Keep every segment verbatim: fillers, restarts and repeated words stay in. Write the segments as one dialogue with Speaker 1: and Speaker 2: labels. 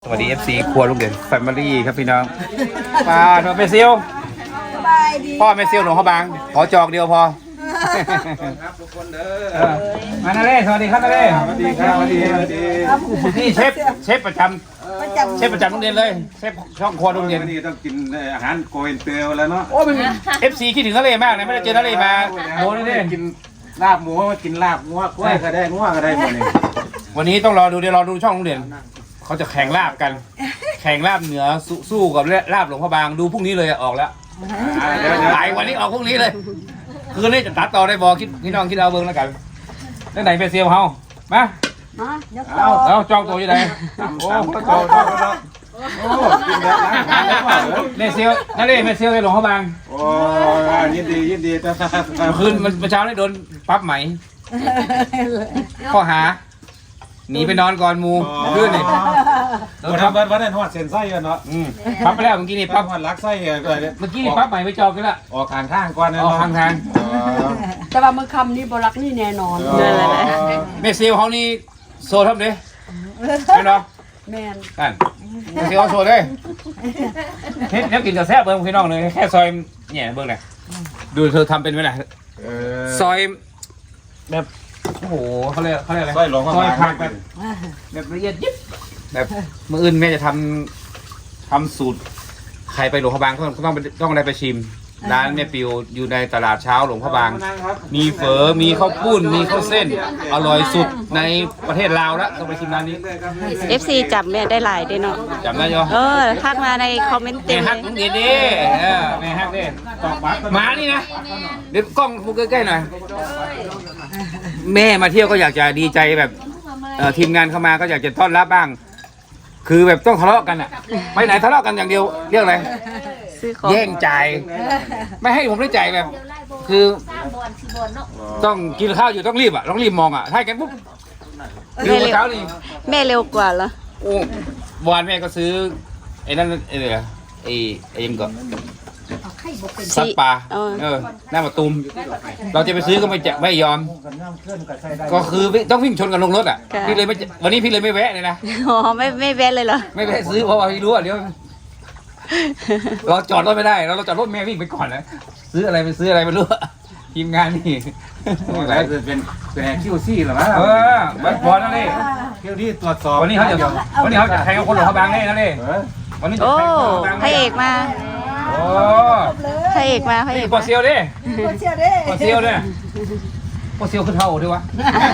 Speaker 1: สวัสดี เอฟ ซี ครัวลุงเด่นแฟมิลี่ครับพี่น้องป้าโนเมซิลพ่อเมซิลหลวงพ่อบางขอจอกเดียวพอครับทุกคนเด้อมานาเล่สวัสดีครับนาเล่สวัสดีครับสวัสดีสวัสดีนี่เชฟเชฟประจำเชฟประจำโรงเรียนเลยเชฟช่องครัวโรงเรียน
Speaker 2: นี่ต้องกินอาหารโกอินเตอร์แล้วเนาะ
Speaker 1: โอ้เป็น เอฟ ซี คิดถึงนาเล่มากเลยไม่ได้เจอนาเล่มาโดนนี่
Speaker 2: กินลาบหมูกินลาบงัวกล้วยก็ได้งัวก็ได้หมดเลย
Speaker 1: วันนี้ต้องรอดูเดี๋ยวรอดูช่องโรงเรียนเขาจะแข่งลาบกันแข่งลาบเหนือสู้กับลาบหลวงพ่อบางดูพรุ่งนี้เลยออกแล้วหลายวันนี้ออกพรุ่งนี้เลยคืนนี้จะตัดต่อได้บอคิดพี่น้องคิดเอาเบิ้งแล้วกันนั่นไหนเป็นเซียวเฮามาเอาเอาจองตัวอยู่ไหนโอ้จองจองแล้วโอ้กินแบบนั้นเมเซียวนั่นเลยเมเซียวในหลวงพ่อบาง
Speaker 2: โอ้ยินดียินดีแต่
Speaker 1: คืนมันเช้าได้โดนปั๊บไหมข้อหาหนีไปนอนก่อนมูขึ้นนี่
Speaker 2: วันนั้นวันนั้นหอดเส้นไส้กันเนาะ
Speaker 1: ปั๊บไปแล้วเมื่อกี้นี่
Speaker 2: ปั๊บหอดลักไส้กัน
Speaker 1: เมื่อกี้นี่ปั๊บใหม่ไปจองกันละ
Speaker 2: ออกทางข้างก่อน
Speaker 1: ออกทางทาง
Speaker 3: แต่ว่ามือคำนี้บรักนี่แน่นอน
Speaker 1: เมซิลเขานี่โซ่ทับเลยไม่เนาะ
Speaker 3: แมน
Speaker 1: กันเมซิลเขาโซ่เลยเฮ็ดแล้วกินกับแซ่บเบิ้งพี่น้องเลยแค่ซอยเนี่ยเบิ้งเลยดูเธอทำเป็นไหมล่ะซอยแบบโอ้โหเขาเรียกเขาเรียกอะไร
Speaker 2: ซอยหลวงพ่อ
Speaker 1: ซอยผักแบบแบบละเอียดยิบแบบมืออื่นแม่จะทำทำสูตรใครไปหลวงพ่อบางก็ต้องต้องได้ไปชิมร้านแม่ปิวอยู่ในตลาดเช้าหลวงพ่อบางมีเฝอมีข้าวปุ้นมีข้าวเส้นอร่อยสุดในประเทศลาวแล้วต้องไปชิมร้านนี้
Speaker 3: เอฟ ซี จับแม่ได้หลายได้เนาะ
Speaker 1: จำได้ยัง
Speaker 3: เออทักมาในคอมเมนต์เต็
Speaker 1: แม่
Speaker 3: ม
Speaker 1: ฮักมึงดีดิแม่ฮักดิมานี่นะเดี๋ยวกล้องพูดใกล้ๆหน่อยแม่มาเที่ยวก็อยากจะดีใจแบบทีมงานเข้ามาก็อยากจะต้อนรับบ้างคือแบบต้องทะเลาะกันอ่ะไปไหนทะเลาะกันอย่างเดียวเรียกอะไรแย่งจ่ายไม่ให้ผมได้จ่ายแบบคือต้องกินข้าวอยู่ต้องรีบอ่ะต้องรีบมองอ่ะถ้ากันปุ๊บเร็วเช้านี่
Speaker 3: แม่เร็วกว่าเหรอ
Speaker 1: โอ้วานแม่ก็ซื้อไอ้นั่นไอ้เนี่ยไอ้ไอ้ยังก่อนซับปลาเออหน้าประตูมเราจะไปซื้อก็ไม่จะไม่ยอมก็คือต้องวิ่งชนกันลงรถอ่ะพี่เลยไม่วันนี้พี่เลยไม่แวะเลยนะ
Speaker 3: อ๋อไม่ไม่แวะเลยเหรอ
Speaker 1: ไม่แวะซื้อเพราะว่าพี่รู้อ่ะเดี๋ยวเราจอดรถไม่ได้เราเราจอดรถแม่วิ่งไปก่อนนะซื้ออะไรไปซื้ออะไรไม่รู้ทีมงานนี่
Speaker 2: อะไรจะเป็นเป็นคิวซี่หรอวะ
Speaker 1: เออวันบอลนั่นเลย
Speaker 2: คิวที่ตรวจสอบ
Speaker 1: วันนี้เขาจะวันนี้เขาจะแข่งกับคนหลวงพ่อบางแน่นั่นเลยวันนี้จะ
Speaker 3: โอ้
Speaker 1: แข่งกับคนหลวงพ่อบาง
Speaker 3: พระเอกมา
Speaker 1: โอ้
Speaker 3: พระเอกมาพระเอก
Speaker 1: ปอเซียวดิปอเซียวดิปอเซียวเนี่ยปอเซียวขึ้นเท่าดิวะ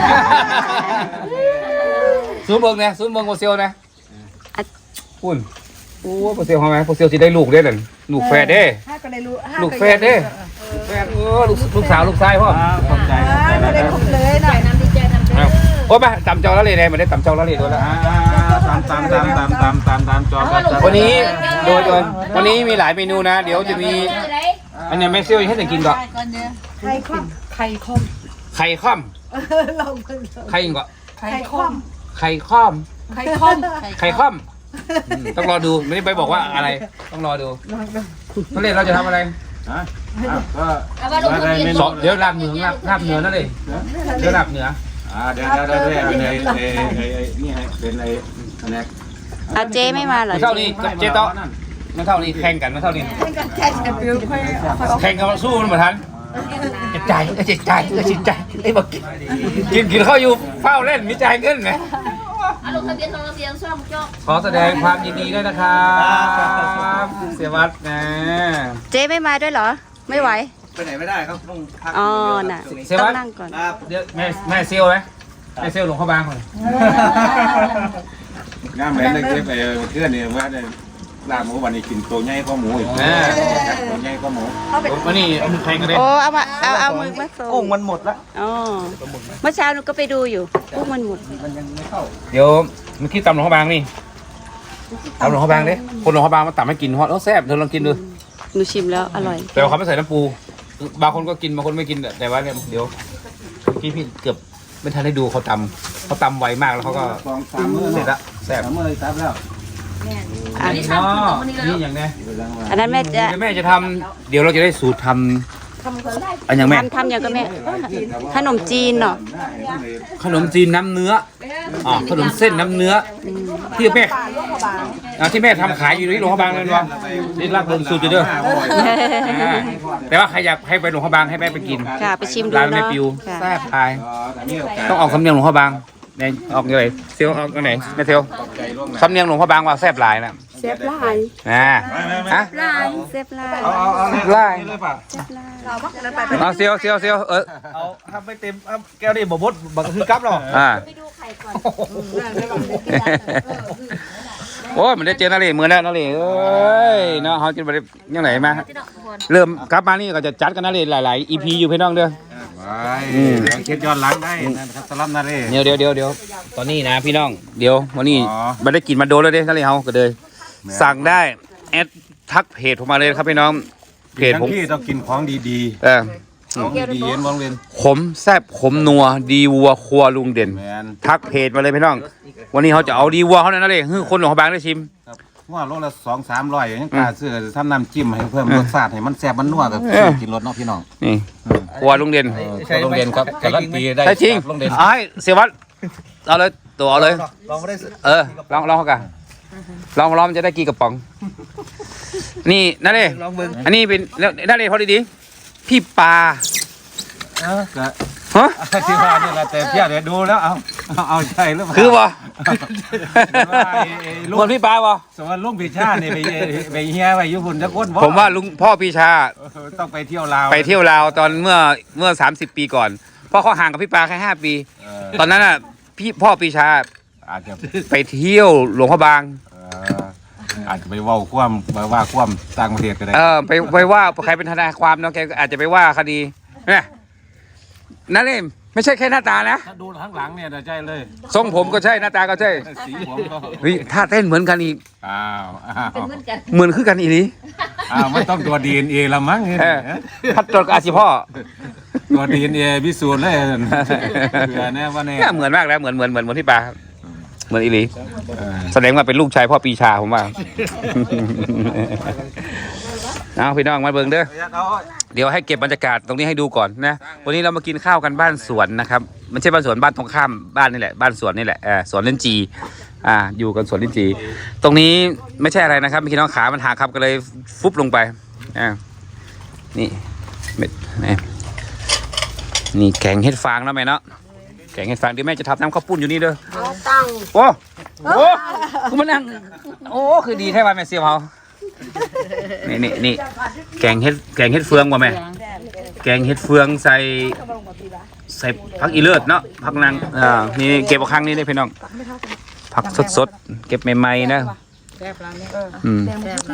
Speaker 1: ซูมเบิงเนี่ยซูมเบิงปอเซียวนะปุ่นโอ้ปอเซียวทำไมปอเซียวจะได้ลูกได้หนึ่งลูกแฝดเด้ลูกแฝดเด้แฝดเออลูกสาวลูกชายพ่อ
Speaker 2: ขอบใจ
Speaker 3: ไม่ได้ครบเลยหน่อยน้ำดีใจน้ำเด้อ
Speaker 1: โอ้มาตำเจ้าละเลยเนี่ยมันได้ตำเจ้าละเลยด้วยแล้ว
Speaker 2: ตามตามตามตามตามตามตามจอ
Speaker 1: วันนี้โดยวันนี้มีหลายเมนูนะเดี๋ยวจะมีอันนี้แม่เซียวให้แต่กินก่อน
Speaker 3: ไข่ข้อมไข่ข้อม
Speaker 1: ไข่ข้อมไข่ก่อน
Speaker 3: ไข่ข้อม
Speaker 1: ไข่ข้อม
Speaker 3: ไข่ข้อม
Speaker 1: ไข่ข้อมต้องรอดูไม่ได้ไปบอกว่าอะไรต้องรอดูนั่นเลยเราจะทำอะไรสองเดี๋ยวลาบเหนือลาบเหนือนั่นเลยเดี๋ยวลาบเหนือ
Speaker 2: อ่าเดี๋ยวเดี๋ยวเดี๋ยวในในนี่ให้เป็นในอันนี้
Speaker 3: อาเจไม่มาเหรอ
Speaker 1: เท่านี้เจ๊โต๊ะไม่เท่านี้แข่งกันไม่เท่านี้แข่งกันสู้มันเหมือนทันจิตใจจิตใจจิตใจไอ้บอกกินกินข้าวอยู่เฝ้าเล่นมีใจเงินไหมขอแสดงความยินดีด้วยนะครับเสียวัดนะ
Speaker 3: เจ๊ไม่มาด้วยเหรอไม่ไหว
Speaker 2: ไปไหนไม่ได้ครับต้องพัก
Speaker 3: อ๋อน่ะต้องนั่งก่อน
Speaker 1: เดี๋ยวแม่แม่เซียวไหมแม่เซียวหลวงพ่อบางคน
Speaker 2: งานแม่ได้เก็บไปเพื่อนเนี่ยว่าได้ลาบหมูวันนี้กินตัวใหญ่กว่าหมูอีกตัวใหญ่กว่าหมู
Speaker 1: วันนี้แข่งกันเลย
Speaker 3: โอ้เอามาเอาเอามือมาส่ง
Speaker 2: กุ้งมันหมดละ
Speaker 3: อ๋อเมื่อเช้าหนูก็ไปดูอยู่กุ้งมันหมด
Speaker 1: เดี๋ยวเมื่อกี้ตำหลวงพ่อบางนี่ตำหลวงพ่อบางดิคนหลวงพ่อบางมาตำให้กินฮอตแล้วแซ่บเธอลองกินดู
Speaker 3: หนูชิมแล้วอร่อย
Speaker 1: แต่เขาไม่ใส่น้ำปูบางคนก็กินบางคนไม่กินแต่ว่าเนี่ยเดี๋ยวพี่พี่เกือบไม่ทันได้ดูเขาตำเขาตำไวมากแล้วเขาก็เสร็จละแซ่บ
Speaker 2: มือซับแล้ว
Speaker 1: อันนี้เนาะนี่อย่างเนี้ย
Speaker 3: อันนั้นแม่จะ
Speaker 1: แม่จะทำเดี๋ยวเราจะได้สูตรทำอันอย่างแม่
Speaker 3: ทำทำอย่างก็แม่ขนมจีนเนาะ
Speaker 1: ขนมจีนน้ำเนื้ออ๋อขนมเส้นน้ำเนื้อที่แม่อ่าที่แม่ทำขายอยู่ที่หลวงพระบางเลยเนาะนี่รักเบิ่งสูตรอยู่เด้ออ่าแต่ว่าใครอยากให้ไปหลวงพระบางให้แม่ไปกิน
Speaker 3: ค่ะไปชิมดู
Speaker 1: ร้านแม่
Speaker 3: เนาะ
Speaker 1: ปิว
Speaker 3: ค่ะ
Speaker 1: แซ่บทายต้องออกสำเนียงหลวงพระบางไหนออกยังไงเซียวออกยังไงแม่เซียวสำเนียงหลวงพระบางว่าแซ่บหลายนะ
Speaker 3: เซฟลาย
Speaker 1: อ่าฮะ
Speaker 3: ลายเซฟลาย
Speaker 2: เอาเอาเอา
Speaker 1: ไล่
Speaker 2: เลยป่ะ
Speaker 1: เอาเซียวเซียวเซียวเออ
Speaker 4: เอาทำไม่เต็มเอาแก้วนี่บ่บดบักคือกับเนาะ
Speaker 1: อ่าโอ้ยมันได้เจอนาเล่มือแล้วนาเล่เอ้ยเนาะเขาจะไปยังไงมาเริ่มกลับมานี่ก็จะจัดกันนาเล่หลายๆ อี พี อยู่พี่น้องเด้อ
Speaker 2: ไปเช็ดย้อนหลังได้นะครับสลับนาเร่
Speaker 1: เดี๋ยวเดี๋ยวเดี๋ยวเดี๋ยวตอนนี้นะพี่น้องเดี๋ยววันนี้
Speaker 2: อ๋อ
Speaker 1: ไม่ได้กินมาโดนแล้วเด้นาเล่เฮาก็เลยสั่งได้แอดทักเพจผมมาเลยครับพี่น้องเพจ
Speaker 2: ทั้
Speaker 1: ผม
Speaker 2: งที่ต้องกินของดี
Speaker 1: เออ
Speaker 2: ๆของดีๆเย็นวงเวียน
Speaker 1: ขมแซ่บขมนัวดีวัวครัวลุงเด่น
Speaker 2: แมน
Speaker 1: ทักเพจมาเลยพี่น้อง วันนี้เขาจะเอาดีวัวเขาเนี่ยนะเลยคือคนหลวงพระบางได้ชิม
Speaker 2: ครับว่าโลละสองสามร้อยยังกล้าซื้อทำน้ำจิ้มให้เพิ่มรสชาติให้มันแซ่บมันนัวกับ
Speaker 1: เออ
Speaker 2: กินรสเนาะพี่น้อง
Speaker 1: นี่ครัวลุงเด่น
Speaker 2: โรงเรียนครับการันตีได้
Speaker 1: ใช่จริง
Speaker 2: โรงเรียน
Speaker 1: ไอ้เสียวัดเอาเลยตัวเอาเลย
Speaker 4: ลองไม่ได้ซื้อ
Speaker 1: เออลองลองเขากันลองลองมันจะได้กี่กระป๋อง นี่นั่นเลย
Speaker 4: ลองเบิ่ง
Speaker 1: อันนี้เป็นแล้วนั่นเลยพอดีๆพี่ปลา
Speaker 2: เออก็
Speaker 1: ฮะ
Speaker 2: ที่ว่านี่แหละแต่เพี่ยเดี๋ยวดูแล้วเอาเอาเอาใช่หรือเปล่า
Speaker 1: คือบ่
Speaker 2: ว่าไอ้ไอ้ลู
Speaker 1: ค
Speaker 2: ก
Speaker 1: นพี่ปลาบ่
Speaker 2: สมมติลุงพิชาเนี่ยไปไปเฮียไปญี่ปุ่นจะก้นบ่
Speaker 1: ผมว่าลุงพ่อปีชา
Speaker 2: เออต้องไปเที่ยวลาว
Speaker 1: ไปเที่ยวลาวตอนเมื่อเมื่อสามสิบปีก่อนเพราะเขาห่างกับพี่ปลาแค่ห้าปี
Speaker 2: เออ
Speaker 1: ตอนนั้นอ่ะพี่พ่อปีชา
Speaker 2: อาจจะ
Speaker 1: ไปเที่ยวหลวงพระบาง
Speaker 2: เอ่ออาจจะไปเว่าคว่ำไปว่าคว่ำต่างประเทศก็ได้
Speaker 1: เออไปไปว่าใครเป็นทนายความเนาะแกก็อาจจะไปว่าคดีเนี่ยนั่นเองไม่ใช่แค่หน้าตานะ
Speaker 2: ถ้าดูข้างหลังเนี่ยจะใช่เลย
Speaker 1: ทรงผมก็ใช่หน้าตาก็ใช่
Speaker 2: สีผมก็
Speaker 1: เฮ้ยท่าเต้นเหมือนกันอีก
Speaker 2: อ้าวอ้าว
Speaker 1: เหมือนคือกันอีนี้
Speaker 2: อ้าวไม่ต้องตัวดีเอ็นเอละมั้ง
Speaker 1: เออพัดจดกับอาชีพ่อ
Speaker 2: ตัวดีเอ็นเอพิสูจน์เลยเผื่อแน่ว่าแน่
Speaker 1: เนี่ยเหมือนมากแล้วเหมือนเหมือนเหมือนเหมือนที่ปลาเหมือนอีหลี
Speaker 2: เออ
Speaker 1: แสดงว่าเป็นลูกชายพ่อปีชาผมว่า เอาพี่น้องมาเบิ่งเด้อ เดี๋ยวให้เก็บบรรยากาศตรงนี้ให้ดูก่อนนะ วันนี้เรามากินข้าวกันบ้านสวนนะครับไม่ใช่บ้านสวนบ้านตรงข้ามบ้านนี่แหละบ้านสวนนี่แหละเออสวนลิ้นจีอ่าอยู่กันสวนลิ้นจีตรงนี้ไม่ใช่อะไรนะครับพี่น้องขามันหักครับก็เลยฟุบลงไปอ่านี่เม็ดนี่นี่แกงเห็ดฟางแล้วแม่เนาะแกงเห็ดฟางเดี๋ยวแม่จะทำน้ำข้าวปุ้นอยู่นี่เด้อ
Speaker 3: ตั้ง
Speaker 1: โอ้โหคุณมานั่งโอ้คือดีแท้ว่าแม่เสียวเฮานี่นี่นี่แกงเห็ดแกงเห็ดเฟืองว่ะแม่แกงเห็ดเฟืองใส่ใส่ผักอีเลิศเนาะผักนางอ่านี่เก็บเอาครั้งนี้ได้พี่น้องผักสดสดๆเก็บใหม่ๆนะอืม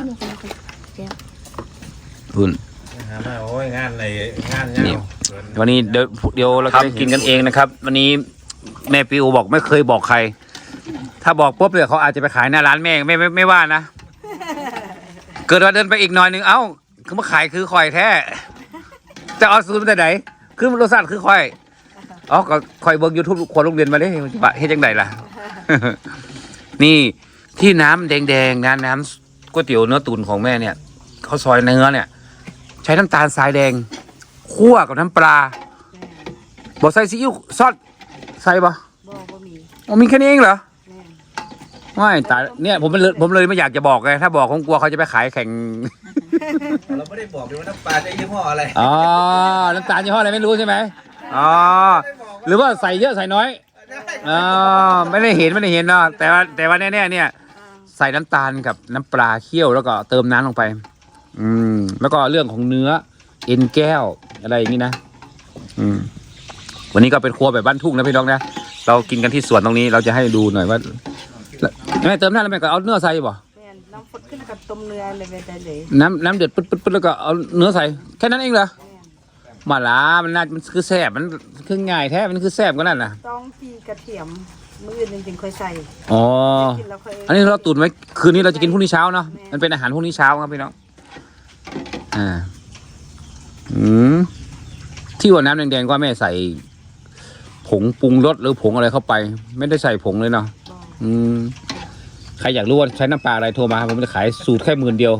Speaker 1: อุ่น
Speaker 2: โอ้ยงานในงาน
Speaker 1: นี่วันนี้เดี๋ยวเดี๋ยวเราจะได้กินกันเองนะครับ วันนี้แม่ปิวบอกไม่เคยบอกใคร ถ้าบอกปุ๊บเลยเขาอาจจะไปขายหน้าร้านแม่ไม่ไม่ไม่ว่านะ เกิดว่าเดินไปอีกหน่อยหนึงเอ้าคือมาขายคือคอยแท้จะเอาสูตรมาแต่ไหนคือรสชาติคือคอยอ๋อก็คอยเบิร์กยูทูบคนโรงเรียนมาเลยบะเฮ็ดจังไดล่ะ นี่ที่น้ำแดงๆนะน้ำก๋วยเตี๋ยวเนื้อตุ๋นของแม่เนี่ยเขาซอยเนื้อเนี่ย ใช้น้ำตาลทรายแดงคั่วกับน้ำปลาบอกใส่ซีอิ๊วซอสใส่ปะ
Speaker 3: บ่บ่มี
Speaker 1: อ๋อมีแค่นี้เองเหรอไม่ตายเนี่ยผมเลยผมเลยไม่อยากจะบอกไงถ้าบอกผมกลัวเขาจะไปขายแข่ง
Speaker 4: เราไม่ได้บอกเลยว่าน้ำปลาจะยี่ห้ออะไร
Speaker 1: อ๋อ น้ำตาลยี่ห้ออะไรไม่รู้ใช่ไหมอ๋อ หรือว่าใส่เยอะใส่น้อยอ๋อไม่ได้เห็นไม่ได้เห็นเนาะ แต่ว่าแต่ว่าแน่ๆเนี่ย ใส่น้ำตาลกับน้ำปลาเคี่ยวแล้วก็เติมน้ำลงไป อืม แล้วก็เรื่องของเนื้อเอ็นแก้วอะไรอย่างนี้นะ อืม วันนี้ก็เป็นครัวแบบบ้านทุ่งนะพี่น้องนะ เรากินกันที่สวนตรงนี้ เราจะให้ดูหน่อยว่าแม่เติมน้ำแล้วแม่ก็เอาเนื้อใส่บ่
Speaker 3: แม่นน้ำฟดขึ้นกับต้มเนื้อเลยไปได้เลย
Speaker 1: น้ำน้ำเดือดปึ๊ดปึ๊ดปึ๊ดแล้วก็เอาเนื้อใส่แค่นั้นเองเหรอมาละมันน่ามันคือแซ่บมันคือง่ายแท้มันคือแซ่บก็นั่นน่ะ
Speaker 3: ต้องตีกระเทียมมื้ออื่นจริงๆค่อยใส่
Speaker 1: อ๋อ
Speaker 3: กินแล้วค่อย
Speaker 1: อันนี้เราตุ๋นไว้คืนนี้เราจะกินพรุ่งนี้เช้าเนาะมันเป็นอาหารพรุ่งนี้เช้าครับพี่น้องอ่าอืมที่ว่าน้ำแดงๆก็แม่ใส่ผงปรุงรสหรือผงอะไรเข้าไป ไม่ได้ใส่ผงเลยเนาะอืมใครอยากรู้ว่าใช้น้ำปลาอะไรโทรมาผมจะขายสูตรแค่หมื่นเดียว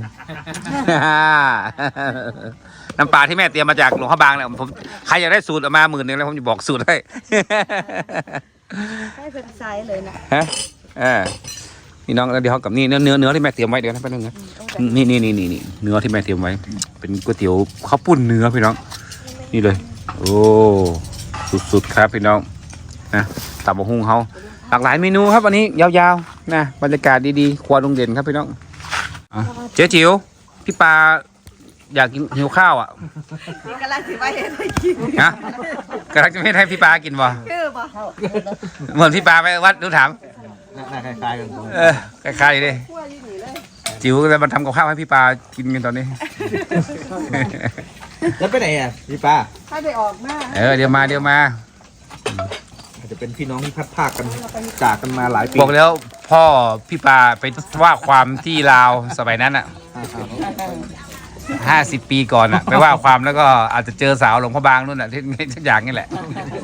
Speaker 1: น้ำปลาที่แม่เตรียมมาจากหลวงพระบางเนี่ยผมใครอยากได้สูตรออกมาหมื่นหนึ่งแล้วผมจะบอกสูตรให้
Speaker 3: ให้เป็นไซส์เลยนะ
Speaker 1: ฮะเออนี่น้องแล้วเดี๋ยวเขากับนี่เนื้อเนื้อเนื้อที่แม่เตรียมไว้เดี๋ยวนะแป๊บนึงนะนี่นี่นี่นี่นี่เนื้อที่แม่เตรียมไว้เป็นก๋วยเตี๋ยวข้าวปุ้นเนื้อพี่น้องนี่เลยโอ้สุดๆครับพี่น้องนะตับกหุ่งเขาหลากหลายเมนูครับวันนี้ยาวๆนะบรรยากาศดีๆครัวลุงเด่นครับพี่น้องอ่ะเจ๊จิ๋วพี่ปาอยากกินหิวข้าวอ่ะ
Speaker 5: นี่กำลังสิว่าเห็นให้กิน
Speaker 1: ฮะกำลังจะไม่ให้พี่ปากินบ่
Speaker 5: คือบ่
Speaker 1: เหมือนพี่ปาไปวัดดูถาม
Speaker 4: หน้าคล้ายๆกัน
Speaker 1: เออคล้ายๆเลยจิ๋วจะมาทำกับข้าวให้พี่ปากินกันตอนนี้
Speaker 4: แล้วไปไหนอ่ะพี่ป้า
Speaker 5: ถ้าได้ออกมา
Speaker 1: เออเดี๋ยวมาเดี๋ยวมา
Speaker 4: อาจจะเป็นพี่น้องที่พัดภาคกันจากกันมาหลายปี
Speaker 1: บอกแล้วพ่อพี่ปาไปว่าความที่ลาวสมัยนั้นอ่ะห้าสิบปีก่อนอ่ะไปว่าความแล้วก็อาจจะเจอสาวหลวงพ่อบางนู่นอ่ะที่ทุกอย่างนี่แหละ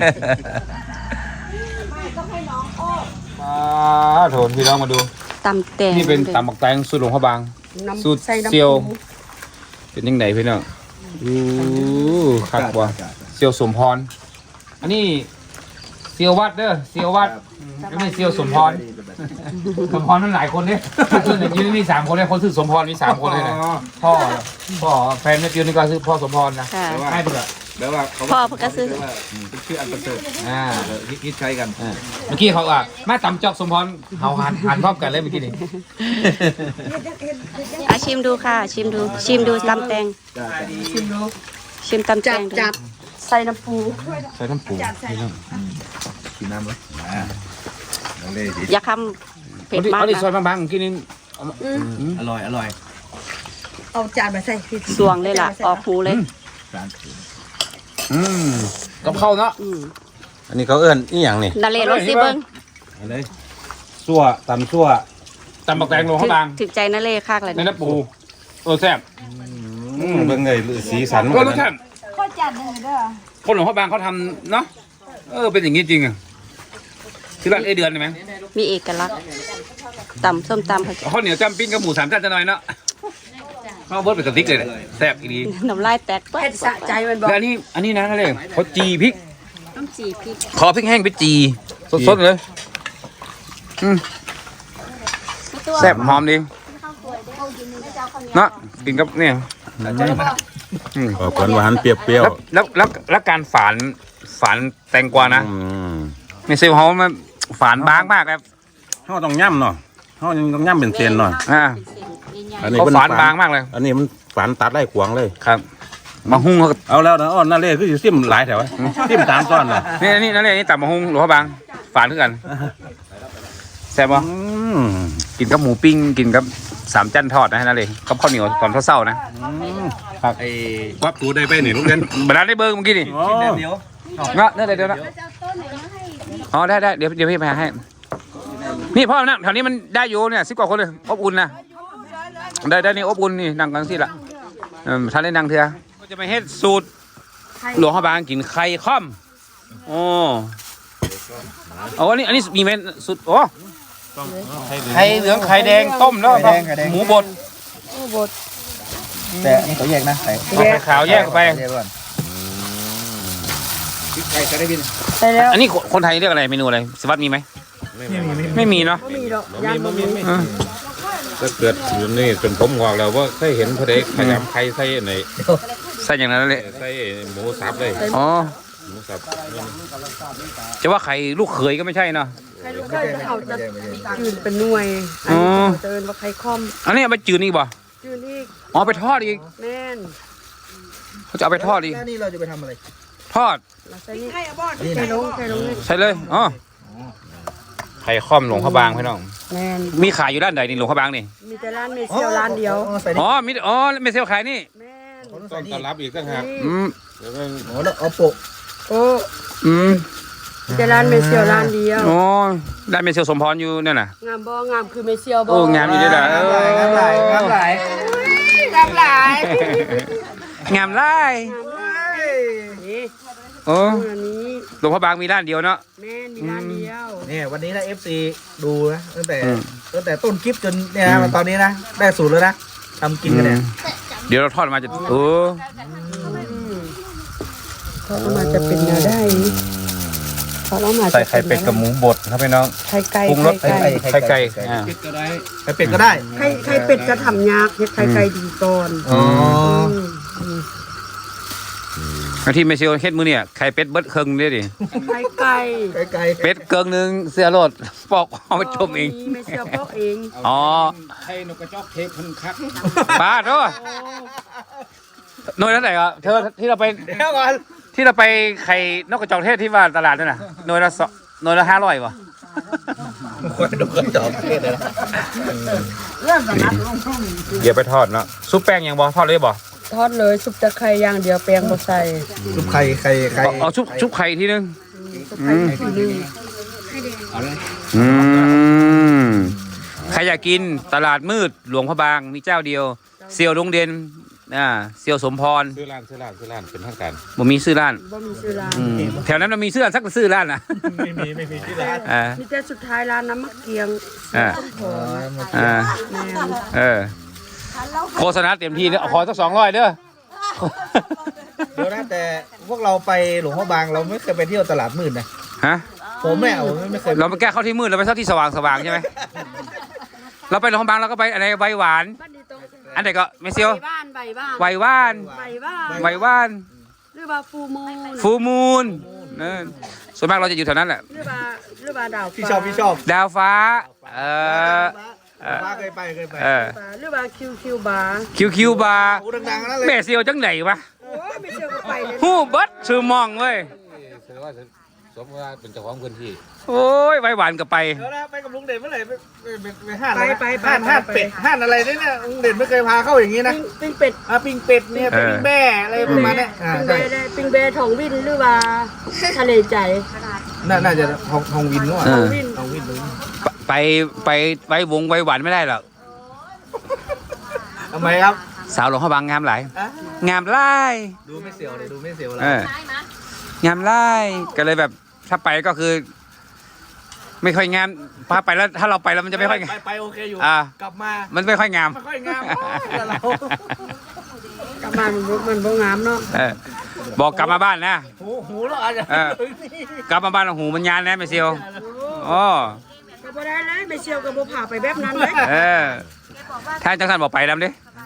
Speaker 1: มาโถนพี่น้องมาดู
Speaker 3: ตำแตง
Speaker 1: นี่เป็นตำบักแตงสูตรหลวงพ่อบางสูตรเซียวเป็นยังไงพี่น้องอู้คักว่ะเซียวสมพรอันนี้เซียววัดเด้อเซียววัดไม่ใช่เซียวสมพรสมพรนั่นหลายคนเนี่ยคือในยืนมีสามคนเลยคนชื่อสมพรมีสามคนเลยนะพ่อพ่อแฟนแม่จิ๋วนี่ก็คือพ่อสมพรนะ
Speaker 3: ค่ะ
Speaker 1: ให้เพื่อ
Speaker 4: แปลว่าเขา
Speaker 3: พ่อเพิ่นก็ซื้อ
Speaker 4: เป็นชื่ออันประเสริฐ
Speaker 1: อ่า
Speaker 4: ฮิตฮิตใช้กัน
Speaker 1: อ่าเมื่อกี้เขาอ่ะมาตำจอกสมพรเขาหันหันพร้อมกันเลยเมื่อกี้นี่
Speaker 3: อาชิมดูค่ะ ชิมดู ชิมดูตำแตง
Speaker 5: ชิมดู
Speaker 3: ชิมตำแต
Speaker 5: จับ
Speaker 3: งดู
Speaker 5: จับใส่น้ำปู
Speaker 1: ใส่น้ำปู
Speaker 4: กินน้ำเลยอ่าน้องเล่ดิ
Speaker 3: อย่าคำเผ็ดมาก
Speaker 1: เอาดิซอย
Speaker 3: นะ
Speaker 1: บางๆเมื่อกี้นี่
Speaker 4: อร่อยอร่อย
Speaker 5: เอาจานมาใส่พี่
Speaker 3: สวงเลยล่ะ ออกหูเลย
Speaker 4: ร้าน
Speaker 1: อืมกับข้าวเนาะ
Speaker 3: อืม
Speaker 2: อันนี้เขาเอื้อนนี่อย่างนี่
Speaker 3: นาเลรสซิเบิ้ง
Speaker 4: อะไร
Speaker 2: ซั่วตำซั่ว
Speaker 1: ตำบักแตงหลวงพ่อบาง
Speaker 3: ถึกใจนาเลคากเลย
Speaker 1: ใน
Speaker 3: นะ
Speaker 1: น้ำปูเออแซ่บ
Speaker 2: อืมเบิ่งเลยสีสัน
Speaker 1: ก็รสชาติ
Speaker 5: ข้อจานหนึ่งเด้อ
Speaker 1: คนหลวงพ่อบางเขาทำเนาะเออเป็นอย่างนี้จริงอ่ะที่ร้านเอเดือนใช่ไหม
Speaker 3: มีเอกลักษณ์ตำส้มตำเขาจะ
Speaker 1: ข้าวเหนียวจำปิ้งกับหมูสามชั้นจะหน่อยเนาะข้าวเบิร์ดเป็นกระติกเลยแหละแซ่บอีดี
Speaker 3: น้ำลายแตกปั๊บ
Speaker 5: เผ็ดสะใจมันบอก
Speaker 1: แล้วอันนี้อันนี้นะนั่นเลยเขาจีพริก
Speaker 3: น้ำจีพริก
Speaker 1: ขอพริกแห้งไปจีสดๆเลยอืมแซ่บหอมดีเนาะกินกับเนี่ยอืม
Speaker 2: ออกหวานๆเปรี้ยว
Speaker 1: แล้วแล้วแล้วแล้วการฝานฝานแตงกวานะ
Speaker 2: ๆอืม
Speaker 1: ในเซลล์เขามันฝานบางมากครับ
Speaker 2: เฮาต้องย่ำเนาะเฮาต้องย่ำเป็นเส้นเนาะ
Speaker 1: อ่า
Speaker 2: อันนี้
Speaker 1: เขา
Speaker 2: มัน
Speaker 1: ฝานบางมากเลย
Speaker 2: อันนี้มันฝานตัดได้ขวางเลย
Speaker 1: ครับ มาหุ้งเขาก็
Speaker 2: เอาแล้วนะอ้อนนั่นเลยคือสิซิมหลายแถวซิมตามก้อนน่ะ
Speaker 1: นี่นี่นั่นเลยนี่ตับมาหุ้งหลวงพ่อบางฝานด้วยกันแซ่บปะ
Speaker 2: อืม
Speaker 1: กินกับหมูปิ้งกินกับสามจันทอดนะนั่นเลยกับข้าวเหนียวตอนเช้าๆนะ
Speaker 4: ไอ้
Speaker 2: วับตูได้ไปนี่ลูกเรียน
Speaker 1: บรรดาได้เบอร์เมื่อกี้นี่
Speaker 2: อ๋อ
Speaker 4: แดดเดียว
Speaker 1: เนาะเดี๋ยวเดี๋ยวนะอ๋อได้ได้เดี๋ยวเดี๋ยวพี่ไปหาให้นี่พ่อนั่งแถวนี้มันได้อยู่เนี่ยสิบกว่าคนเลยอบอุ่นนะได้ได้นี่อบอุ่นนี่นั่งกันสิละเออท่านได้นั่งเถอะก็จะไปเฮ็ดสูตรหลวงพ่อบางกินไข่ค่อมโอ้เอาอันนี้อันนี้มีไหมสูตรโอ้ไข่เหลืองไข่แดงต้มแล้วก็หมูบด
Speaker 4: แต่นี่เขาแยกนะใส่
Speaker 1: เอาไข่ขาวแยกออกไป
Speaker 4: แยกก่อนไก่จะได้บิน
Speaker 5: ใส่แล้ว
Speaker 1: อันนี้คนคนไทยเรียกอะไรเมนูอะไรสวัสดมีไหมไม่มีเนาะ
Speaker 5: มีดอกยานบ่มี
Speaker 1: เออ
Speaker 2: ถ้าเกิดอยู่นี่จนผมงอกแล้วว่าเคยเห็นพระเด็กขยำไข่ใส่ใน
Speaker 1: ใส่อย่างนั้นเลย
Speaker 2: ใส่หมูสับเลย
Speaker 1: อ๋อ
Speaker 2: หมูสับ
Speaker 1: จะว่าไข่ลูกเขยก็ไม่ใช่เนาะ
Speaker 5: ใครรู้ใครเขาจะจืดเป็นหน่วยอัน
Speaker 1: อ๋
Speaker 5: นี้
Speaker 1: อ
Speaker 5: เขาจะเอิ้นว่าไข่ค่อม
Speaker 1: อันนี้เอาไปจืดอีกบ่
Speaker 5: จืดอีก
Speaker 1: อ๋อไปทอดอีก
Speaker 5: แม่น
Speaker 1: เขาจะเอาไปทอดอีก
Speaker 4: แล้วนี่เราจะไปทำอะไร
Speaker 1: ทอด
Speaker 5: แล้วใส่นี่ไข่ลงไข่ลงนี่
Speaker 1: ใช่เลยอ๋อไข่ค่อมหลวงพระบางพี่น้อง
Speaker 5: แม่น
Speaker 1: มีขายอยู่ด้านใดนี่หลวงพระบางนี่
Speaker 5: มีแต่ร้านเมเซียวร้านเดียว
Speaker 4: ใส่นี่
Speaker 1: อ๋อมีอ๋อเมเซลขายนี่
Speaker 5: แม่น
Speaker 4: ต้อง
Speaker 2: ต้
Speaker 4: ใส่
Speaker 2: อง
Speaker 4: นี่
Speaker 2: ต้อนรับอีกต่างหาก
Speaker 1: อืม
Speaker 2: เดี๋ยวก็
Speaker 4: โอ้แล้วเอาโปะ
Speaker 5: โอ้
Speaker 1: อืม
Speaker 5: มีแต่ร้านเมเซียวร้านเดียว
Speaker 1: อ๋อด้านเมเซลสมพรอยู่เนี่ยน่ะ
Speaker 5: งามบ่งามคือเมเซียวบ่
Speaker 1: โอ้งามอยู่ด้วยล่ะเออง
Speaker 4: ามหลายงามหลาย
Speaker 5: งามหลาย
Speaker 1: งามไล่
Speaker 5: นี่
Speaker 1: โอ้
Speaker 5: อันนี้
Speaker 1: หลวงพระบางมีด้านเดียวเนาะ
Speaker 5: แม่นมีร้านเดียว
Speaker 4: เนี่ยวันนี้นะ เอฟ ซี ดูนะตั้งแต่
Speaker 1: อืม
Speaker 4: ตั้งแต่ต้นคลิปจนเนี่ยนะ
Speaker 1: อืม
Speaker 4: มาตอนนี้นะได้สูตรแล้วนะทำกินกันเนี่ย
Speaker 1: เดี๋ยวเราทอดมาจะโอ้
Speaker 5: เขาเอามาจะเป็นแนวได้เขาเอามา
Speaker 1: ใส่ไข่เป็ดกับหมูบดครับพี่น้อง
Speaker 5: ไข่ไก่
Speaker 1: ปรุงรส
Speaker 5: ไข่ไก่
Speaker 1: ไข่ไก่อ่า
Speaker 4: เป็ดก็ได้ไข่เป็ดก็ได้
Speaker 5: ไข่ไข่เป็ดจะทำยากเฮ็ดไข่ไก่ดีก่อน
Speaker 4: อ๋อ
Speaker 1: แล้วที่เมซิโอเฮ็ดมื้อเนี่ยไข่เป็ดเบิดครึ่งเด้ดิ
Speaker 5: ไข่ไก่
Speaker 4: ไก่ไก่
Speaker 1: เป็ดเกิงหนึงเสื้อโลดปอกเอาไปต้มเอง
Speaker 5: ไม่เสียเพราะเอง
Speaker 1: อ๋อ
Speaker 2: ไข่นกกระจอกเทพเพิ่นคัก
Speaker 1: ป้าโทษหน่วยเท่าไหร่อ่ะเธอที่เราไป
Speaker 4: เดี๋ยวก่อน
Speaker 1: ที่เราไปไข่นกกระจอกเทศที่ว่าตลาดนั่นน่ะหน่วยละสองหน่วยละห้าร้อยป่ะ
Speaker 4: ควายดูกระจอกเทศเลยนะ
Speaker 1: เดี๋ยวไปทอดเนาะซุปแป้งยังบ่ทอดเลยบ่
Speaker 5: ทอดเลยซุปตะไคร้อย่างเดียวแป้งบ่ใส่
Speaker 4: ซุปไข่ไข่ไข่
Speaker 1: เอาเอาชุบชุบไข่ทีนึง
Speaker 5: ซุปไข่ทีนึง
Speaker 1: อืมใครอยากกินตลาดมืดหลวงพระบางมีเจ้าเดียวเซียวลุงเด่นอ่าเซียวสมพร
Speaker 2: ซื้อร้านซื้อร้านซื้อร้านเป็นทางการ
Speaker 1: บ่มีซื้อร้าน
Speaker 5: บ่มีซื้อร้าน
Speaker 1: อืมแถวนั้นมันมีซื้อร้านสักซื้อร้านน่ะ
Speaker 4: ไม่มีไม่มีที่ร้าน
Speaker 1: อ่า
Speaker 5: มีแต่สุดท้ายร้านน้ำมะเกียง
Speaker 1: อ่า
Speaker 5: ต้มหอม
Speaker 1: อ่า
Speaker 5: แม่น
Speaker 1: เออโฆษณาเต็มที่เด้อขอสักสองร้อยเด้อ
Speaker 4: เดี๋ยวนะแต่พวกเราไปหลวงพ่อบางเราไม่เคยไปเที่ยวตลาดมืดนะ
Speaker 1: ฮะ
Speaker 4: ผมแม่ผมไม่เคย
Speaker 1: เราไปแก้เข้าที่มืดเราไปเข้าที่สว่างสว่างใช่ไหม เราไปโรงพยาบาลเราก็ไปอะไรใบหวาน
Speaker 5: บ้านดีตรง
Speaker 1: อันไหนก็ไม่เซียว
Speaker 5: ใบบ้านใบบ้าน
Speaker 1: ใบว่าน
Speaker 5: ใบบ้าน
Speaker 1: ใบว่าน
Speaker 5: หรือว่าฟูมูน
Speaker 1: ฟูมูลเออส่วนมากเราจะอยู่แถวนั้นแหละ
Speaker 5: หรือว่าหรือว่าดาวฟ้า
Speaker 4: พี่ชอบพี่ชอบ
Speaker 1: ดาวฟ้า เออ
Speaker 4: ป้าเคยไปเคยไป
Speaker 1: เออ
Speaker 5: หรือว่าคิวคิวบาร์
Speaker 1: คิวคิวบาร์
Speaker 4: โอ้ดังๆนั่นเลย
Speaker 1: แม่เซียวจังไหนวะ
Speaker 5: โอ้ยไม่เชื่อก็ไปเลย
Speaker 1: ฮู้เบิดชื่อมองเว้ย
Speaker 2: แสดงว่าสมมติว่าเป็นเจ้าของพื้นที่
Speaker 1: โอ้ยใบหวานก็ไป
Speaker 4: เดี๋ยวนะไปกับลุงเด่นเมื่อไหร่ไปไปไปไปห้าน
Speaker 5: ไป
Speaker 4: อะไร
Speaker 5: ไปไป
Speaker 4: ห้านห้านเป็ดห้านอะไรเนี่ยเนี่ยลุงเด่นไม่เคยพาเข้าอย่างนี้นะ
Speaker 5: ปิ้งเป็ด
Speaker 4: อ่ะปิ้งเป็ดเนี่ยปิ้งแม่อะไรประมาณเนี้ยอ่า
Speaker 5: ปิ้งเบ
Speaker 4: ใช่
Speaker 5: ได้ปิ้งเบทองวินหรือว่าทะเลใจ
Speaker 4: น่าน่าจะทองทองวินด้วย
Speaker 1: เออ
Speaker 5: วิน
Speaker 4: ทองวินเลย
Speaker 1: ไปไปไปวงใบหวานไม่ได้หรอก
Speaker 4: ทำไมครับ
Speaker 1: สาวหลวงพระบางงามหลาย
Speaker 4: อ่ะ
Speaker 1: งามไล่
Speaker 4: ดูไม่เสียวเลยดูไม่เสียวเลย
Speaker 1: เอองามไล่ก็เลยแบบถ้าไปก็คือ ไม่ค่อยงามพาไปแล้วถ้าเราไปแล้วมันจะไม่ค่อยงาม
Speaker 4: ไปไปโอเคอยู่
Speaker 1: อ่า
Speaker 4: กลับมา
Speaker 1: มันไม่ค่อยงาม
Speaker 4: ไม่ค่อยงามแต่เรา
Speaker 5: กลับมามันบ่มันบ่งามเนาะ
Speaker 1: เออบอกกลับมาบ้านนะ
Speaker 4: หูหูเราอาจจะ
Speaker 1: เออ กลับมาบ้านหูมันยานนะไม่เซียวอ๋อ
Speaker 5: ก็บ่ได้เลยไม่เชียวก็บ่พาไปแบบนั้นเลย
Speaker 1: เออถ้าจังสันบอกไปแล้วดิ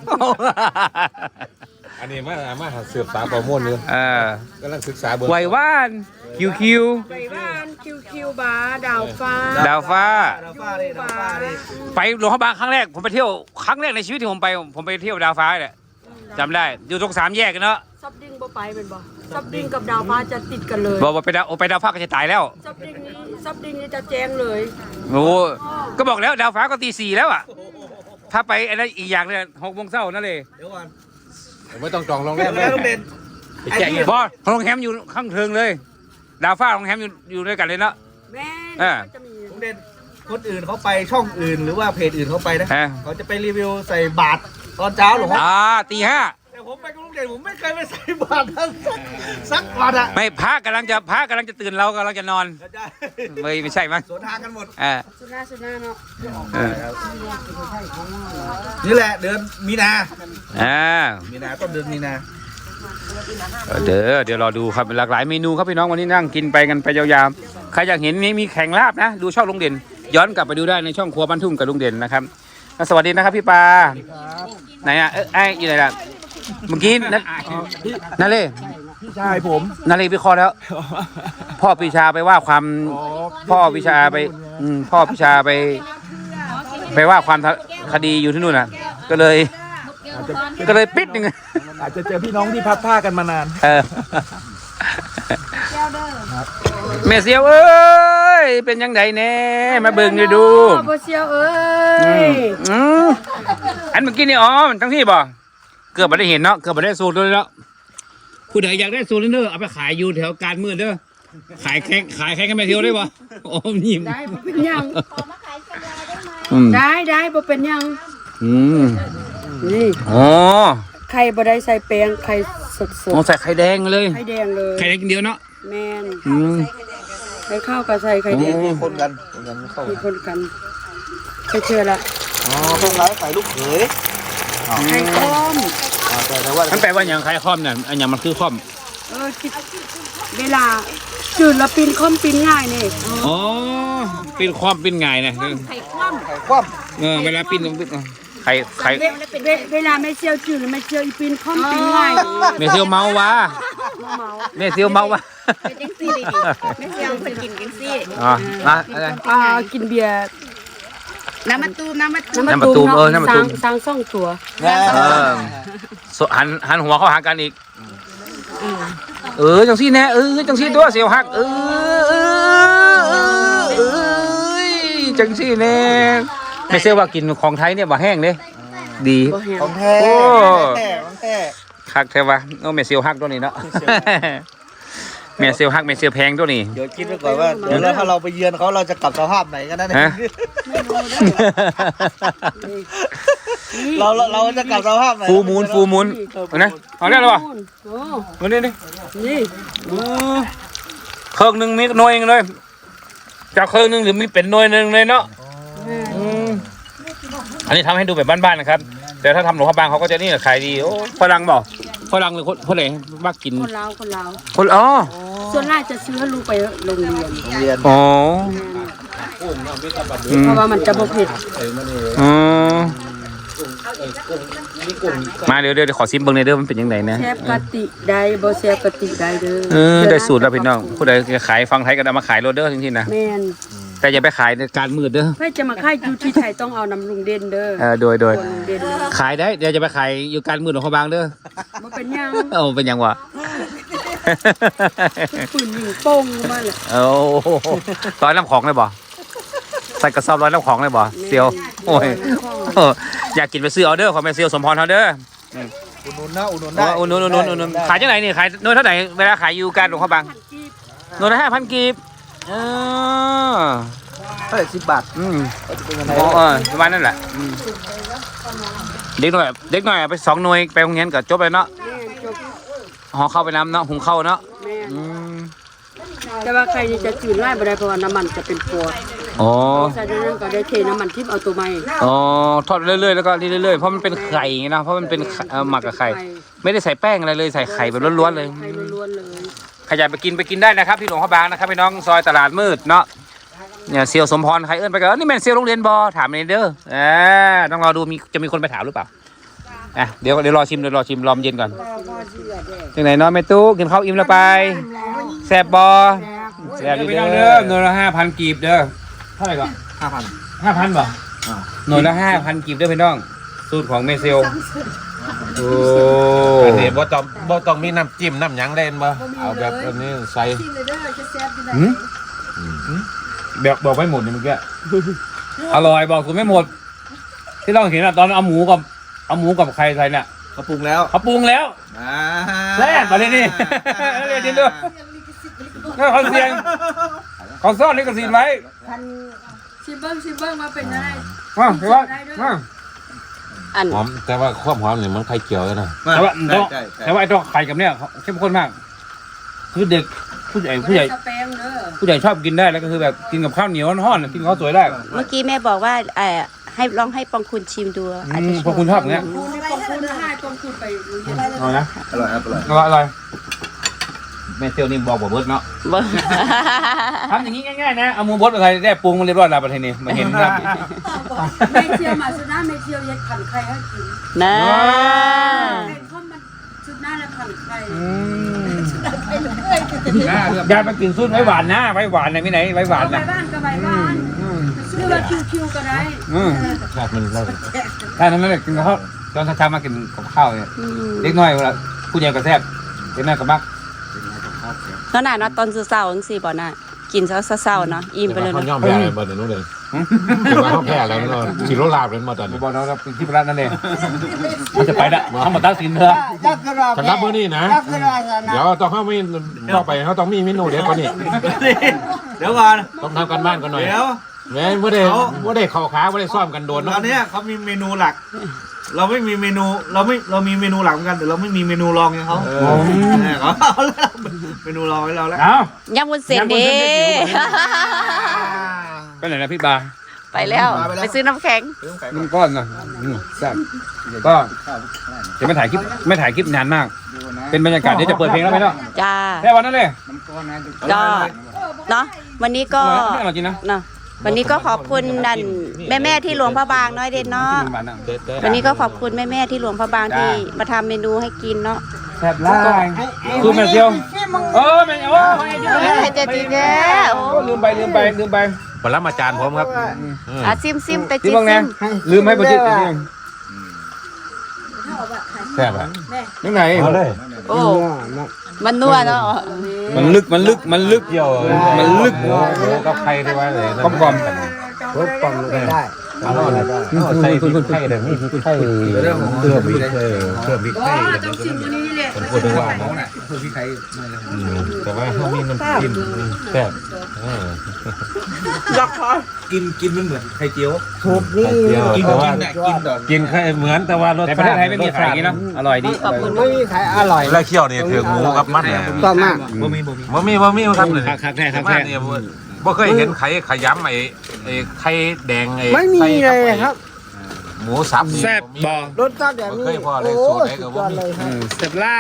Speaker 2: อันนี้มามาสืบสาวประมวลอยู่
Speaker 1: เออก
Speaker 2: ำลังศึกษาเบอร์
Speaker 1: ไหวว่านคิวคิว
Speaker 5: ไปบ้านคิวคิวบาร์ดาวฟ้า
Speaker 1: ดาวฟ้า
Speaker 4: ดาวฟ้าดิดาวฟ้าดิ
Speaker 1: ไปหลวงพระบางครั้งแรกผมไปเที่ยวครั้งแรกในชีวิตที่ผมไป ผมไปเที่ยวดาวฟ้าเนี่ยจำได้อยู่ตรงสามแยกกันเนาะ
Speaker 5: ซับดิ้งบ่ไปเป็นบ่ซับดิ้งกับดาวฟ้าจะติดกันเลย
Speaker 1: บอกว่าไปดาวไปดาวฟ้าก็จะตายแล้ว
Speaker 5: ซับดิ้งนี้ซับดิ้งนี้จะแจ้งเลย
Speaker 1: โอ้ก็บอกแล้วดาวฟ้าก็ตีสี่แล้วอ่ะถ้าไปอะไรอีกอย่างเนี่ยหกโมงเช้านั่นเลย
Speaker 4: เดี๋ยวก่อน
Speaker 2: ไม่ต้องจองโรงแร
Speaker 4: แม่
Speaker 2: ม
Speaker 4: แม่ลุงเด่น
Speaker 2: ไปแจ้งเงิน
Speaker 1: บอสโรงแรมอยู่ข้างเทิงเลย ดาวฟ้าโรงแรมอยู่อยู่ด้วยกันเลยเนาะ
Speaker 5: แม่
Speaker 1: เออ
Speaker 5: จะมี
Speaker 4: ลุงเด่นคนอื่นเขาไปช่องอื่นหรือว่าเพจอื่นเขาไปนะ
Speaker 1: ฮะ
Speaker 4: เขาจะไปรีวิวใส่บาตรตอนเช้าหลวงพ่อ
Speaker 1: อ่าตีห้า
Speaker 4: แต่ผมไปกับลุงเด่นผมไม่เคยไปใส่บาตรสักสักวันอะ
Speaker 1: ไม่พระกำลังจะพระกำลังจะตื่นเรากำลังจะนอน
Speaker 4: เข้าใจ
Speaker 1: ไม่ไม่ใช่มั้ง
Speaker 4: สวนทางกันหมด
Speaker 1: เออ
Speaker 5: สุนาสุนาเนาะ
Speaker 1: เออ
Speaker 4: นี่แหละเดือนมีนา
Speaker 1: อ่า
Speaker 4: มีนาต้นเดือนมีนา
Speaker 1: เดี๋ยวเดี๋ยวรอดูครับหลากหลายเมนูครับพี่น้องวันนี้นั่งกินไปกันไปยาวๆใครอยากเห็นนี้มีแข่งลาบนะดูช่องลุงเด่น ย้อนกลับไปดูได้ในช่องครัวบ้านทุ่งกับลุงเด่นนะครับสวัสดีนะครับพี่ปาไหนอ่ะเอ้ยไอ้อยู่ไหนล่ะเมื่อกี้นั่นนั่นเลย
Speaker 4: พี่ชายผม
Speaker 1: นั่นเลยวิเคราะห์แล้ว พ่อปีชาไปว่าความพ่อปีชาไปอืมพ่อปีชาไป ไปว่าความคดีอยู่ที่นู่นน่ะ ก็เลย ก็เลยปิดหนึ่ง
Speaker 4: อาจจะเจอพี่น้องที่พัดผ้ากันมานาน
Speaker 1: เออแม่เสียวเอ้ยเป็นยังไงแน่มาเบิ่งดูดู
Speaker 5: บ่เชียวเอ้
Speaker 1: อื
Speaker 5: ย
Speaker 1: มอืมอันเมื่อกี้นี่อ๋อมันทั้งที่บ่เกือบไม่ได้เห็นเนาะเกือบไม่ได้สูตรเลยเนาะผู้ใดอยากได้สูตรเด้อเอาไปขายอยู่แถวการมืดเด้อขายแข่งขายแข่งกันแม่เสียวได้บ่โอ้ยิ้ม
Speaker 5: ได้บ่เป็นหยัง
Speaker 1: อืม
Speaker 5: ได้ได้บ่เป็นหยัง
Speaker 1: อืม
Speaker 5: นี่
Speaker 1: อ๋อ
Speaker 5: ไข่บ่ได้ใส่แป้งไข่สด
Speaker 1: โอ้ใส่ไข่แดงเลย
Speaker 5: ๆไข่แดงเลย
Speaker 1: ไข่แดงเดียวเนาะ
Speaker 5: แม่น
Speaker 1: อืม
Speaker 5: ไข่ข้าวก็ใส่ไข่แดง
Speaker 4: คนกันคนกันเข้า
Speaker 5: มีคนกันไปเชื่อละ
Speaker 4: อ๋อตรงร้านขายลูกเขย
Speaker 5: ไข่ต้ม
Speaker 4: อ่าแต่แต่ว่า
Speaker 1: มันแปลว่าอย่างไข่ค่อมเนี่ยอันอย่างมันคือค่อม
Speaker 5: อเออจิตเวลาจืดแล้วปีนค่อมปีนง่ายนี่
Speaker 1: อ๋อเป็นความเป็นไงเนี่ย
Speaker 5: ไข่คว่
Speaker 4: ไข่คว่
Speaker 1: เออเวลาปิ้นไข่ไข่
Speaker 5: ำเวเวเวลาไม่เชียวจืดแล้วไม่เชียวอีปีนค่อมปีนง่ายนี่
Speaker 1: เมเซียวเมาวะ
Speaker 5: เมา
Speaker 1: เมเซียวเมาวะ
Speaker 3: เป็นจังซี่เลยดิไม่เชียวเพิ่นกินจังซี่
Speaker 1: อ๋อนะอะไร
Speaker 5: อ่ากินเบียร์
Speaker 3: น้ำมะตูมน้ำมะตูม
Speaker 1: น้ำมะตูมเออน้ำมะตูม
Speaker 5: สร้างสร้างซ่องตัว
Speaker 4: ำ
Speaker 1: เออสหันหันหัวเข้าหากันอีกเออจังซี่แน่เออจังซี่ตัวเสียวหักเออเออเออเออจังซี่แน่ไม่เชื่อว่ากินของไทยเนี่ยบ่แห้งเด้ดี
Speaker 5: บ่แห้ง
Speaker 4: ของแท้
Speaker 1: โอ้
Speaker 4: ของแท้ของแท้
Speaker 1: คักแท้วะโอ้เมเซียวหักตัวนี้เนาะเมเซียวหักเมเซียวแพงตัวนี้
Speaker 4: เดี๋ยวคิดไว้ก่อนว่าเดี๋ยวเราถ้าเราไปเยือนเขาเราจะกลับสภาพไหนกันนะเนี่ย
Speaker 1: ฮะ
Speaker 4: เราเราเราจะกลับสภาพไหน
Speaker 1: ฟูมูลฟูมูลเอานะเอาได้หรอวะ
Speaker 5: โอ้
Speaker 1: มานี่นี่
Speaker 5: นี่
Speaker 1: เครื่องหนึ่งมีหน่วยหนึ่งเลยจากเครื่องหนึ่งหรือมีเป็นหน่วยหนึ่งเลยเนาะอืมอันนี้ทำให้ดูแบบบ้านๆนะครับ แต่ถ้าทำหลวงพระบางเขาก็จะนี่ขายดีโอ้ฝรั่งบอกฝรั่งหรือคนคนไหนมักกิน
Speaker 5: คนลาวคนลาว
Speaker 1: คนอ๋อ
Speaker 5: ส่วนมากจะซื้อให้ลูกไปโรงเรียน
Speaker 4: โรงเรียน
Speaker 1: อ๋อ
Speaker 5: เพราะว่ามันจะบ่เผ็ด
Speaker 1: อ๋อมาเดี๋ยวเดี๋ยวขอซิมเบิ้งในอยเด้อมันเป็นยังไงนะ
Speaker 5: แซ่บกะติได้บ่แซ่บกะติได้เด้อ
Speaker 1: เออได้สูตรแล้วพี่น้องผู้ใดจะขายฟังไทยก็เอามาขายโรเดอร์จริงๆนะ
Speaker 5: แม่น
Speaker 1: แต่อย่าไปขายในการมืดเด้อ
Speaker 5: เพื่อจะมาขายอยู่ที่ไทยต้องเอาน้ำลุงเด่นเด้อ
Speaker 1: เออโดยโดย
Speaker 5: ลุงเด่นเด้อ
Speaker 1: ขายได้เดี๋ยวจะไปขายอยู่การมืดของเขาบางเด้อ
Speaker 5: บ่เป็นหยัง
Speaker 1: เออเป็นยังวะ
Speaker 5: ปืนยิงโป้งมาเลย
Speaker 1: โอ้ร้อยน้ำของเลยบ่ใส่กระสอบร้อยน้ำของเลยบ่เซียวโอ้ยเอออยากกินไปซื้อออเดอร์ของแม่เซียวสมพรเขาเด้อ
Speaker 4: อุดหนุนนะอุดหนุน
Speaker 1: อ๋
Speaker 4: ได้
Speaker 1: ออุ่นอุ่นอุ่นอุ่นอุ่นขายจังไหนนี่ขายโน้ตเท่าไหร่เวลาขายอยู่การหลวงพ่อบางโน้ตละห้าพันกีบเออ
Speaker 4: เท่าไหร่สิบบาท
Speaker 1: อืม
Speaker 4: จะเป็นยังไง
Speaker 1: อ๋อเออประมาณนั่นแหละอืมเด็กหน่อยเด็กหน่อยเอาไปสองหน่วยไปโรงเรียนก็จบเลยเนาะ
Speaker 5: แม่จบ
Speaker 1: ห่อเข้าไปน้ำเนาะหุงเข้าวเนาะ
Speaker 5: แม่
Speaker 1: อืม
Speaker 5: แต่ว่าใครนี่จะจืดไล่บ่ได้เพราะว่าน้ำมันจะเป็นปวด
Speaker 1: อ๋อ
Speaker 5: ใส่ในนั้นก็ได้เทน้ำมันทิพย์เอาตัวใหม่
Speaker 1: อ๋อทอดเรื่อยๆแล้วก็นี่เรื่อยๆเพราะมันเป็นไข่ไงนะเพราะมันเป็นไข่เอ่อหมักกับไข่ไม่ได้ใส่แป้งอะไรเลยใส่ไข่แบบล้วนๆเลย
Speaker 5: ไข่ล้วนๆเลย
Speaker 1: ใครอยากไปกินไปกินได้นะครับที่หลวงพ่อบางนะครับพี่น้องซอยตลาดมืดเนาะเนี่ยเซียวสมพรใครเอื้อนไปก็นี่แม่นเซียวโรงเรียนบอถามในเด้อเออต้องรอดูมีจะมีคนไปถามหรือเปล่าอ่ะเดี๋ยวเดี๋ยวรอชิมเดี๋ยวรอชิมรอมเย็นก่อนจังไหนเนาะแม่ตู้กินข้าวอิ่มแล้วไปแซ่บบอแซ่บดีเด้อหน่วยละห้าพันกีบเด้อเท่าไหร่ก่อน
Speaker 4: ห้าพัน
Speaker 1: ห้าพันบ่หน่วยละห้าพันกีบเด้อพี่น้องสูตรของเมเซียวโอ้
Speaker 2: อันนี้บ่ต้องบ่ต้องมีน้ำจิ้มน้ำหยังเล่นบ่เอาแบบอันนี้ใส่
Speaker 1: หืมแบบบอกไม่หมดเนี่ยเมื่อกี้อร่อยบอกคุณไม่หมด ที่เราเห็นอะตอนเอาหมูกับเอาหมูกับใครใส่เนี่ย
Speaker 4: เขาปรุงแล้ว
Speaker 1: เขาปรุงแล้ว
Speaker 4: อ่า
Speaker 1: แซ่บมาเลยนี่เรียนที่เลือกเขาเสียงเขาซ่อนลิขสิทธิ์ไว้
Speaker 5: ชิมเบิ้งชิมเบิ้งมาเป็นยังไง
Speaker 1: มาเดี๋ยวว่ามา
Speaker 3: อัน
Speaker 2: หอมแต่ว่าความหอมนี่มันไข่เจียวเลยนะ
Speaker 1: แต่ว่า
Speaker 4: ใช่ใช่ใช่
Speaker 1: แต่ว่าไอ้ตัวไข่กับเนี่ยเข้มข้นมาก คือเด็กผู้ใหญ่ผู้ใหญ่
Speaker 5: สเปงเด้อ
Speaker 1: ผู้ใหญ่ชอบกินได้แล้วก็คือแบบกินกับข้าวเหนียวห่อนๆกินกับข้าวสวยได้
Speaker 3: เมื่อกี้แม่บอกว่าเอ่อให้ลองให้ปองคุณชิมดูอาจ
Speaker 1: อื
Speaker 3: จะ
Speaker 1: ม
Speaker 3: ช
Speaker 1: พอคุณชอบอย่างเงี้ย
Speaker 5: คุณนี่ปองคุณให้ปองคุณไปรู้ยัง
Speaker 1: เอานะ
Speaker 4: อร่อยครับอร่อย
Speaker 1: อร่อยอร่อยแม่เซียวนี่บอกบอกเบิร์ดเนาะ
Speaker 3: บ่
Speaker 1: ทำอย่างนี้ง่ายๆนะ เอาหมูบดมาใส่ได้ปรุงมันเรียบร้อยแล้วประเทศนี้มาเห็นครับ
Speaker 5: ไม่เชียวมาสุดหน้าไม่เชียวยัดขันไข่ให้กิน
Speaker 3: นะ
Speaker 5: ไข่ข้อมันสุดหน้าแล้วขันไข่
Speaker 1: ยายมากินซุปไว้หวานนะไว้หวานนะมีไหนไว้หวาน
Speaker 5: เอาไป
Speaker 1: นะ
Speaker 5: บ้านก็ไปบ้านหรือว่าคิวๆก็ได้
Speaker 1: อืม
Speaker 2: ชาติมันเรา
Speaker 1: ถ้านั้นเลยกินกับข้าวตอนเช้าๆมากินกับข้าวเนี่ยเล็กน้อยเวลาผู้ใหญ่ก็แซ่บเล็กน้อยก็มัก
Speaker 3: เนาะน่ะเนาะตอนเช้าๆจังซี่บ่น่ะกินเช้าๆเนาะอิ่มไปเลย
Speaker 2: เขา
Speaker 3: เนาะ
Speaker 2: ย่อมแพ้เลยบ่เดี๋ยวนู้นเลยถือว่าเขาแพ้แล้วเนาะสิโรลาบเลยมาตอนนี้
Speaker 1: บอกเราเราเป็นที่ประหลาดนั่นเองมันจะไปละเขามาตั้งสินเถอะ
Speaker 2: สำหรับมื้อนี้นะ เดี๋ยวต้องเข้ามีต่อไปเขาต้องมีเมนูเด็ดกว่านี้
Speaker 4: เดี๋ยวก่อน
Speaker 2: ต้องทำกันบ้านกันหน่อย
Speaker 4: เดี๋ยว
Speaker 2: แม่บ่ได้บ่ได้เข้าขาบ่ได้ซ้อมกันโดน
Speaker 4: ต
Speaker 2: เนาะ
Speaker 4: อนเนี้ยเขามีเมนูหลัก เราไม่มีเมนูเราไม่เรามีเมนูหลักเหมือนกันแต่เราไม่มีเมนูรองอย่างเขาเออเขาเอาแล้วเมนูรองให้เราแล้ว
Speaker 1: เอา
Speaker 3: ยำวุ้นเส้นเด้
Speaker 1: ไปไหนนะพี่บา
Speaker 3: ไไปแล้วไปซื้อน้ำแข็ง
Speaker 1: มันก้อนนะอืมแซ่บก็จะไม่ถ่ายคลิปไม่ถ่ายคลิปนานมาก เป็นบรรยากาศเดี๋ยวจะเปิดเพลงแล้วไหมเนาะ
Speaker 3: จ้า
Speaker 1: แค่วันนั้นเลย
Speaker 3: ก็เนาะวันนี้ก็
Speaker 1: ไม่อร่อยจริงนะ
Speaker 3: เนาะวันนี้ก็ขอบคุณนั่นแม่แม่ๆที่หลวงพระบางน้อยเด่นเนาะ
Speaker 1: ที่โรงพยาบาลน่ะ
Speaker 3: วันนี้ก็ขอบคุณแม่แม่ๆที่หลวงพระบางที่มาทำเมนูให้กินเนาะ
Speaker 1: แซ่บไล่คือแม่เดียวเออแม่โอ้ย
Speaker 3: ให้เจดีแท้โอ้
Speaker 1: ลืมไปลืมไปลืมไป
Speaker 2: ปรมาจารย์ผมครับ
Speaker 3: อ่ะซิมซิมแต่
Speaker 1: ที่
Speaker 3: จิ
Speaker 1: บ้างไง
Speaker 3: ซิม
Speaker 1: ลืมให้ประชิดอันนี้
Speaker 2: แซ่บอ่ะ
Speaker 1: ยังไง
Speaker 3: โอ้มันนัวเนาะ
Speaker 1: มันลึกมันลึกมันลึก
Speaker 2: เกี่ยว
Speaker 1: มันลึก
Speaker 2: กับใครที่ว่าเลย
Speaker 1: กลมกล่อม
Speaker 6: รสปอมได้
Speaker 2: ใส่พริกไทยเลยมีพริกไทยเรื่องเพิ่มพริกไทยเพิ่มพริกไทยผมพูดถึงว่าแต่ว่าเขามีน้ำจิ้มแซ่บ
Speaker 4: กินกินมันเหมือนไข่เจียว
Speaker 6: ถูกนี่
Speaker 2: กินแต่ว่า
Speaker 4: กินดอก
Speaker 2: กินแค่เหมือนแต่ว่ารส
Speaker 1: ในประเทศไทยไม่มีขายอย่างนี้เนาะอร่อยดี
Speaker 3: ขอบคุณ
Speaker 6: ไม่มีขายอร่อย
Speaker 2: แล้วเคี่ยวนี่ถือหมูกับมันเนี่ย
Speaker 6: ต่อมาก
Speaker 4: บ่มีบ่มี
Speaker 2: บ่มีบ่มีครับเลย
Speaker 1: คักแท้คัก
Speaker 2: มา
Speaker 1: แท้
Speaker 2: เนี่ยบ่เคยเห็นไข่ขยำไอ้ไอ้ไข่แดงไอ้
Speaker 6: ไม่มีเลยครับ
Speaker 2: หมูสับ
Speaker 1: แซ่บบ่
Speaker 6: รสชาติแบบนี้
Speaker 2: เคยพอเลย
Speaker 6: โอ้
Speaker 2: สูตรไหนก็
Speaker 6: สุด
Speaker 2: บ่
Speaker 6: ยอด
Speaker 2: มี
Speaker 6: เลยครับ
Speaker 1: แซ่บไล่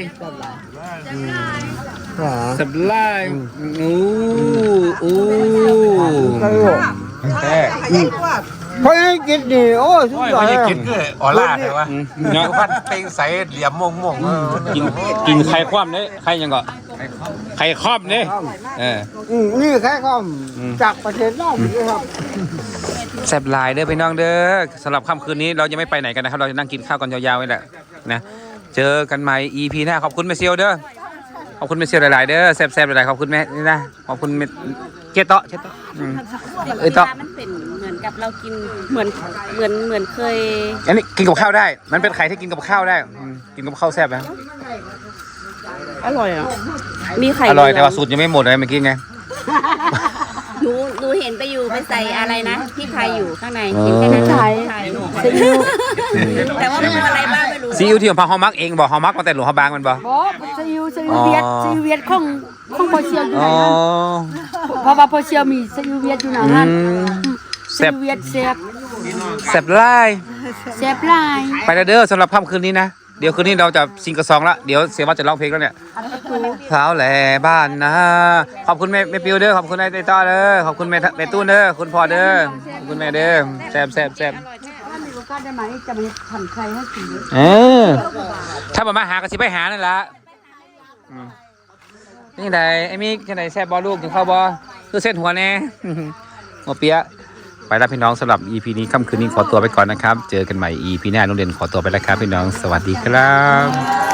Speaker 6: อ๋อ
Speaker 1: แซ่บไล่อู้อู้
Speaker 6: ตลก
Speaker 1: แท้
Speaker 6: เพราะให้กินนี่โอ้สุด
Speaker 2: โอ้ย
Speaker 6: ยอด
Speaker 2: ไม่
Speaker 6: เล
Speaker 2: ได้
Speaker 6: ย
Speaker 2: กินคือออล่าใช่ปะ
Speaker 1: เนาะ
Speaker 2: พันเต็งใสเหลี่ยมม่วงม่วง
Speaker 1: กินกินไข่คว่ำเนี่ยไข่ยังก็ไข่ครอบเนี่ยเออ
Speaker 6: อืมนี่แค่ข้อมจากประเทศนอกนี่ครับ
Speaker 1: แซ่บหลายเด้อพี่น้องเด้อสำหรับค่ำคืนนี้เราจะไม่ไปไหนกันนะครับเราจะนั่งกินข้าวกันยาวๆนี่แหละนะเจอกันใหม่ อี พี หน้าขอบคุณแม่เซียวเด้อขอบคุณแม่เซียวหลายๆเด้อแซ่บๆหลายๆขอบคุณแม่นี่นะขอบคุณแม่เจโตะเจโตะอืมเอ้ยโตะ
Speaker 3: มันเป็นเหมือนกับเรากินเหมือนเหมือนเหมือนเคย
Speaker 1: อันนี้กินกับข้าวได้ มันเป็นไข่ที่กินกับข้าวได้อืมกินกับข้าวแซ่บนะ
Speaker 3: อร่อยอ่ะมีไข่
Speaker 1: อร่อยแต่ว่าสูตรยังไม่หมดเลยเมื่อกี้ไง
Speaker 3: หนูหนูเห็นไปอยู่ไปใส่อะไรนะพี่พายอยู่ข้างในกินแค่นั้นใช่แต่ว่ามันอะไรบ้างไม่รู้
Speaker 1: ซีอิ๊วที่ของพาฮอมักเองบอกฮอมักมาแต่หลวงพระบางมันบอก
Speaker 5: บ่ซีอิ๊วซีอิ๊วเวียดซีอิ๊วเวียดของของพอเชียวอยู่
Speaker 1: อ๋
Speaker 5: ไหน
Speaker 1: อ
Speaker 5: นั้นเพราะว่าพอเชียวมีซีอิ๊วเวียดอยู่ไหน
Speaker 1: อื
Speaker 5: นั้น
Speaker 1: ม
Speaker 5: ซีอิ๊วเวียดแซ่บ
Speaker 1: แซ่บไล่
Speaker 5: แซ่บหลาย
Speaker 1: ไปแล้วเด้อสำหรับค่ำคืนนี้นะ เดี๋ยวคืนนี้เราจะซิงกระซองละเดี๋ยวเสียวัดจะร้องเพลงแล้วเนี่ยเท้าแหล่บ้านนะขอบคุณแม่แม่ปิวเด้อขอบคุณนายเต้ต้าเด้อขอบคุณแม่แม่ตู้เด้อคุณพ่อเด้อขอบคุณแม่เด้อแซ่บแซ่บแซ่บ
Speaker 5: ถ้ามีโอกาสได้ไหมจะไปทำใครให้กินด้วย
Speaker 1: เออถ้ามามาหาก็สิไปหานั่นละอืมนี่ไดไอ้มีกันไหนแซ่บบอลูกกินข้าวบอคือเส้นหัวแน่ หัวเปียะไปแล้วพี่น้องสำหรับ อี พี นี้ค่ำคืนนี้ขอตัวไปก่อนนะครับ เจอกันใหม่ อี พี หน้าโรงเรียนขอตัวไปแล้วครับพี่น้องสวัสดีครับ